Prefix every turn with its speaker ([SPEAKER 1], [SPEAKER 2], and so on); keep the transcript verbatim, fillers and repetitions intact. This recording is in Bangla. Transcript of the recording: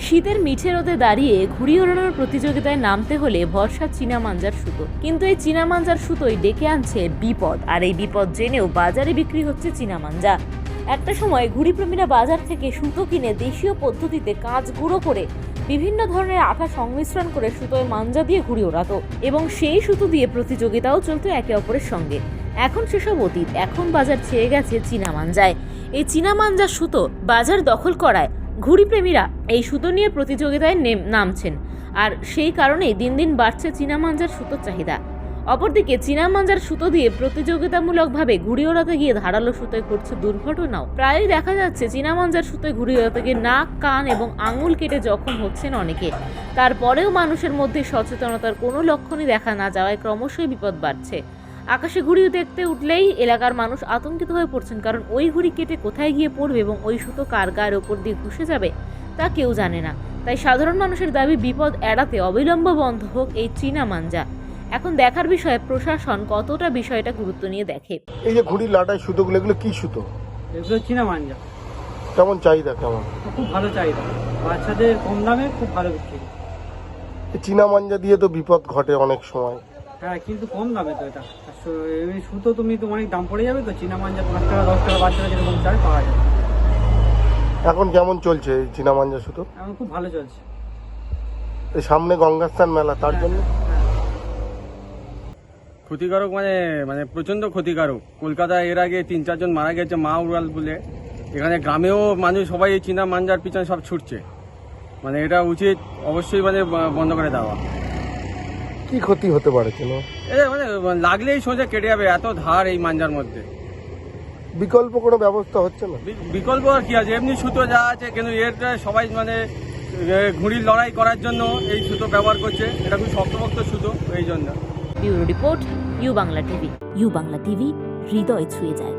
[SPEAKER 1] শীতের মিঠে রোদে দাঁড়িয়ে ঘুড়ি ওড়ানোর প্রতিযোগিতায় নামতে হলে ভরসা চীনা মাঞ্জার সুতো। কিন্তু এই চীনা মাঞ্জার সুতোই ডেকে আনছে বিপদ, আর এই বিপদ জেনেও বাজারে বিক্রি হচ্ছে চীনা মাঞ্জা। একটা সময় ঘুড়িপ্রেমীরা বাজার থেকে সুতো কিনে দেশীয় পদ্ধতিতে কাঁচ গুঁড়ো করে বিভিন্ন ধরনের আঠা সংমিশ্রণ করে সুতোয় মাঞ্জা দিয়ে ঘুড়ি ওড়াতো এবং সেই সুতো দিয়ে প্রতিযোগিতাও চলতো একে অপরের সঙ্গে। এখন সেসব অতীত, এখন বাজার ছেয়ে গেছে চীনা মাঞ্জায়। এই চীনা মাঞ্জার সুতো বাজার দখল করায় ঘুড়িপ্রেমীরা এই সুতো নিয়ে প্রতিযোগিতায় নামছেন, আর সেই কারণেই দিন দিন বাড়ছে চীনা মাঞ্জার সুতোর চাহিদা। অপরদিকে চীনা মাঞ্জার সুতো দিয়ে প্রতিযোগিতামূলকভাবে ঘুড়ি ওড়াতে গিয়ে ধারালো সুতোয় ঘটছে দুর্ঘটনাও। প্রায়ই দেখা যাচ্ছে চীনা মাঞ্জার সুতোয় ঘুড়ি ওড়াতে গিয়ে নাক, কান এবং আঙুল কেটে জখম হচ্ছেন অনেকে। তারপরেও মানুষের মধ্যে সচেতনতার কোনো লক্ষণই দেখা না যাওয়ায় ক্রমশই বিপদ বাড়ছে। আকাশে ঘুড়ি দেখতে উঠলেই এলাকার মানুষ আতঙ্কিত হয়ে পড়ছেন, কারণ ওই ঘুড়ি কেটে কোথায় গিয়ে পড়বে এবং ওই সুতো কার গায়ের ওপর দিয়ে ঘুষে যাবে তা কেউ জানে না। তাই সাধারণ মানুষের দাবি বিপদ এড়াতে অবিলম্বে বন্ধ হোক এই চীনা মাঞ্জা। এখন দেখার বিষয়ে প্রশাসন কতটা বিষয়টা গুরুত্ব নিয়ে দেখে।
[SPEAKER 2] এই যে ঘুড়ি লাটাই সুতোগুলো, এগুলো কি সুতো?
[SPEAKER 3] এগুলো চীনা মাঞ্জা।
[SPEAKER 2] কেমন চাহিদা? কেমন?
[SPEAKER 3] খুব ভালো চাহিদা, বাচ্চাদের কম দামে খুব ভালো বিক্রি।
[SPEAKER 2] এই চীনা মাঞ্জা দিয়ে তো বিপদ ঘটে অনেক সময়।
[SPEAKER 3] হ্যাঁ, কিন্তু কম দামে তো এটা। এই সুতো তুমি তো অনেক দাম পড়ে যাবে, তো চীনা মাঞ্জা পাঁচ টাকা দশ টাকা বাচ্চারা যেরকম চায় পাওয়া যায়।
[SPEAKER 2] এখন কেমন চলছে এই চীনা মাঞ্জা সুতো?
[SPEAKER 3] এখন খুব ভালো চলছে।
[SPEAKER 2] এই সামনে গঙ্গাস্থান মেলা, তার জন্য
[SPEAKER 4] ক্ষতিকারক মানে মানে প্রচন্ড ক্ষতিকারক। কলকাতায় এর আগে তিন চারজন মারা গেছে মা উড়াল বলে। এখানে গ্রামেও মানুষ সবাই এই চীনা মাঞ্জার পিছনে সব ছুটছে। মানে এটা উচিত অবশ্যই মানে বন্ধ করে দেওয়া।
[SPEAKER 2] কি ক্ষতি হতে পারে? কেন?
[SPEAKER 4] এটা মানে লাগলেই সোজা কেটে যাবে, এত ধার এই মাঞ্জার মধ্যে।
[SPEAKER 2] বিকল্প কোনো ব্যবস্থা হচ্ছে না?
[SPEAKER 4] বিকল্প আর কি আছে, এমনি সুতো যা আছে, কিন্তু এরটা সবাই মানে ঘুড়ির লড়াই করার জন্য এই সুতো ব্যবহার করছে। এটা খুব শক্তপোক্ত সুতো, এই জন্য।
[SPEAKER 1] Bureau report, U Bangla TV. U Bangla TV, হৃদয় ছুঁয়ে যায়।